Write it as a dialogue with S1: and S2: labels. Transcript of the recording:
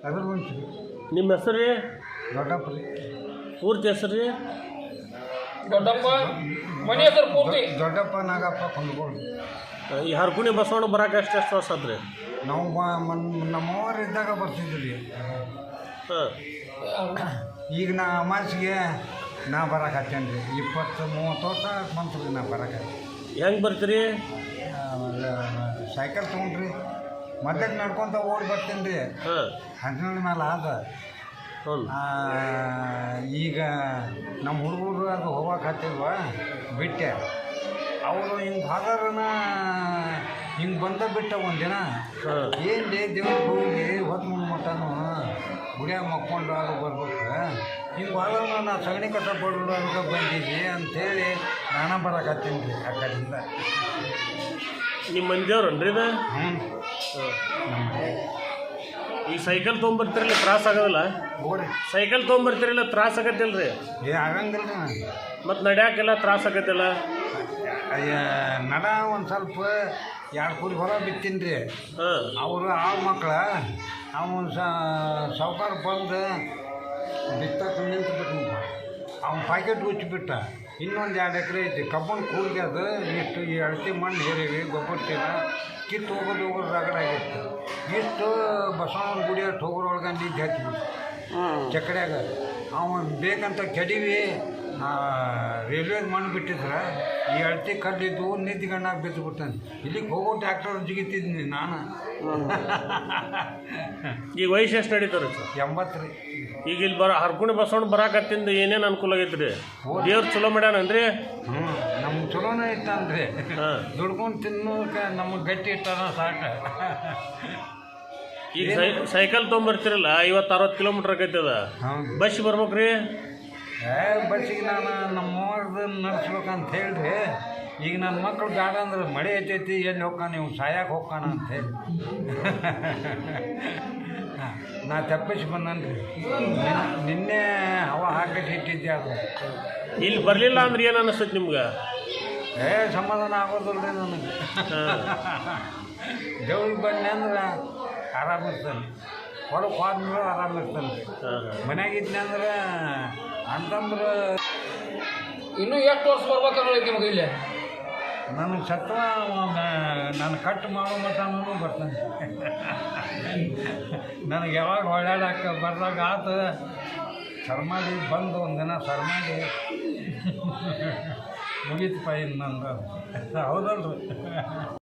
S1: ಅದ್ರ ಬಂತು
S2: ನಿಮ್ಮ ಹೆಸರು ರೀ?
S1: ದೊಡ್ಡಪ್ಪ ರೀ.
S2: ಪೂರ್ತಿ ಹೆಸರು ರೀ?
S3: ದೊಡ್ಡಪ್ಪ ಮನೆ ಹೆಸರು ಪೂರ್ತಿ
S1: ದೊಡ್ಡಪ್ಪ ನಾಗಪ್ಪ ಕೊಂಡ್ಕೊಂಡು.
S2: ಈ ಹರ್ಕುಣಿ ಬಸವಣ್ಣ ಬರಾಕ ಎಷ್ಟು ವರ್ಷ ಆತ್ರಿ?
S1: ನಾವು ನಮ್ಮವ್ರು ಇದ್ದಾಗ ಬರ್ತಿದ್ವಿ ರೀ.
S2: ಹಾಂ.
S1: ಈಗ ನಾ ಅಮಾಸಿಗೆ ನಾ ಬರಕತ್ತೇನೆ ರೀ. 20-30 ವರ್ಷ ಬಂತು ರೀ ನಾ ಬರಕ.
S2: ಹೆಂಗೆ ಬರ್ತೀರಿ?
S1: ಸೈಕಲ್ ತೊಗೊಂಡ್ರಿ ಮಧ್ಯಕ್ಕೆ ನಡ್ಕೊತ ಓಡಿ ಬರ್ತೀನಿ ರೀ.
S2: ಹಾಂ.
S1: ಹದಿನೇಳು ಮೇಲೆ ಆದ.
S2: ಹ್ಞೂ.
S1: ಈಗ ನಮ್ಮ ಹುಡುಗರು ಅದು ಹೋಗಕ್ಕೆ ಹತ್ತಿಲ್ವ ಬಿಟ್ಟೆ. ಅವರು ಹಿಂಗೆ ಹಾಗಾರನ ಹಿಂಗೆ ಬಿಟ್ಟ ಒಂದಿನ ಏನು ರೀ ದೇವ್ರಿಗೆ ಹೋಗಿ ಹೊತ್ತು ಮುಂದೆ ಮಟ್ಟನು ಗುಡಿಯಾಗ ಮಕ್ಕೊಂಡು ಅದು ಬರ್ಬೇಕು. ಹಿಂಗೆ ಹೋಗೋಣ ನಾ ಸಗಣಿ ಕಸ ಬಡ್ರು ಅದಕ್ಕೆ ಬಂದಿದ್ವಿ ಅಂಥೇಳಿ ನಾನು ಬರಕತ್ತೀನಿ ರೀ ಆ ಕಡೆಯಿಂದ.
S2: ನಿಮ್ಮ ಮಂದಿಯವ್ರನ್ರಿ ಇದು?
S1: ಹ್ಞೂ.
S2: ಈ ಸೈಕಲ್ ತೊಗೊಂಬರ್ತಿರಲ್ಲ ತ್ರಾಸ ಆಗೋದಿಲ್ಲ?
S1: ಹೋಗ್ರಿ
S2: ಸೈಕಲ್ ತೊಗೊಂಬರ್ತಿರಲ್ಲ ತ್ರಾಸ ಆಗತ್ತಿಲ್ಲ ರೀ?
S1: ಆಗಂಗಿಲ್ಲ ರೀ.
S2: ಮತ್ತು ನಡ್ಯಾಕೆಲ್ಲ ತ್ರಾಸ ಆಗತ್ತಿಲ್ಲ?
S1: ನಡ ಒಂದು ಸ್ವಲ್ಪ 2 ಕೂರಿ ಹೊರ ಬಿತ್ತೀನಿ ರೀ.
S2: ಹಾಂ.
S1: ಅವರು ಆ ಮಕ್ಳು ಅವನು ಸಾವುಕಾರ ಬಂದು ಬಿತ್ತಕ್ಕೆ ನಿಂತು ಬಿಟ್ಟು ಅವ್ನ ಪ್ಯಾಕೆಟ್ ಉಚ್ಚಿಬಿಟ್ಟ. ಇನ್ನೊಂದು 2 ಎಕರೆ ಐತಿ ಕಬ್ಬನ್ ಕೂಡಿಗೆ ಅದು ಇಷ್ಟು ಈ ಅಳತೆ ಮಣ್ಣು ಹೇರಿವಿ ಗೊಬ್ಬರ ಚೀಲ ಕಿತ್ತು ಹೋಗೋದು ರಗಡ ಆಗಿತ್ತು. ಇಷ್ಟು ಬಸವಣ್ಣನ ಗುಡಿ ಅಷ್ಟು ಹೋಗೋರೊಳಗೆ ನಿಂತು ಹಚ್ಚಿಬಿಟ್ಟು ಚಕಡ್ಯಾಗ ಅವನು ಬೇಕಂತ ಕೆಡವಿ ರೈಲ್ವೆಗೆ ಮಣ್ಣು ಬಿಟ್ಟಿದ್ರೆ ಈ ಅಳತೆ ಕಲ್ಲಿದ್ದು ನಿಂತ್ಕೊಂಡಾಗ ಬಿದ್ದುಬಿಡ್ತಾನೆ. ಇಲ್ಲಿಗೆ ಹೋಗೋ ಟ್ಯಾಕ್ಟರ್ ಜಿಗಿತಿದ್ದೀನಿ ನಾನು.
S2: ಈಗ ವಯಸ್ಸು ಎಷ್ಟು ನಡೀತಾರೆ ಸರ್?
S1: 80 ರೀ.
S2: ಈಗ ಇಲ್ಲಿ ಹರ್ಕುಣಿ ಬಸವಣ್ಣ ಬರಾಕತ್ತಿಂದ ಏನೇನು ಅನುಕೂಲ ಆಗೈತೆ ರೀ? ದೇವ್ರು ಚಲೋ ಮಾಡ್ಯಾನನ್ರಿ?
S1: ಹ್ಞೂ ನಮ್ಗೆ ಚಲೋನೇ ಇತ್ತಂದ್ರಿ.
S2: ಹಾಂ.
S1: ದುಡ್ಕೊಂಡು ತಿನ್ನೋಕೆ ನಮಗೆ ಗಟ್ಟಿ ಇಟ್ಟನ ಸಾಕು.
S2: ಈಗ ಸೈಕಲ್ ತೊಗೊಂಬರ್ತಿರಲ್ಲ 50-60 ಕಿಲೋಮೀಟ್ರ್ ಆಕೈತೆ ಅದ.
S1: ಹೌದು.
S2: ಬಸ್ ಬರ್ಬೇಕು ರೀ?
S1: ಬಸ್ಸಿಗೆ ನಾನು ನಮ್ಮವ್ರದ್ದು ನಡೆಸ್ಬೇಕಂತ ಹೇಳ್ರಿ. ಈಗ ನನ್ನ ಮಕ್ಕಳು ಬೇಡ ಅಂದ್ರೆ ಮಳೆ ಐತೈತಿ ಎಲ್ಲಿ ಹೋಗ್ಕಾನ ನೀವು ಸಾಯಕ್ಕೆ ಹೋಗ್ಕಾನ ಅಂತೇಳಿ ನಾ ತಪ್ಪಿಸಿ ಬಂದನ್ರಿ. ನಿನ್ನೆ ಹವಾ ಹಾಕಿ ಇಟ್ಟಿದ್ದೆ ಅದು.
S2: ಇಲ್ಲಿ ಬರಲಿಲ್ಲ ಅಂದ್ರೆ ಏನು ಅನಿಸ್ತೈತೆ ನಿಮ್ಗೆ?
S1: ಸಮಾಧಾನ ಆಗೋದಿಲ್ಲ ರೀ ನನಗೆ. ದೇವ್ರಿಗೆ ಬನ್ನಿ ಅಂದ್ರೆ ಆರಾಮಿರ್ತಾನೆ, ಹೊರಗೆ ಹೋದ್ಮೇಲೆ ಆರಾಮಿರ್ತಾನೆ ರೀ. ಮನ್ಯಾಗಿದ್ನಿ ಅಂದ್ರೆ ಅಂತಂದ್ರೆ
S3: ಇನ್ನೂ ಎಷ್ಟು ವರ್ಷ ಬರ್ಬೇಕನ್ನೋದಕ್ಕೆ ನಿಮಗೆ ಇಲ್ಲಿ
S1: ನನಗೆ ಸತ್ವ ನಾನು ಕಟ್ ಮಾಡೋ ಮಟ್ಟನೂ ಬರ್ತಾನೆ. ನನಗೆ ಯಾವಾಗ ಓಡಾಡಕ್ಕೆ ಬರ್ದಾಗ ಆತ ಸರ್ಮಾಡಿ ಬಂದು ಒಂದಿನ ಸರ್ಮಾಡಿ ಮುಗೀತು ಪೈ ನಂದು. ಹೌದಲ್ರಿ?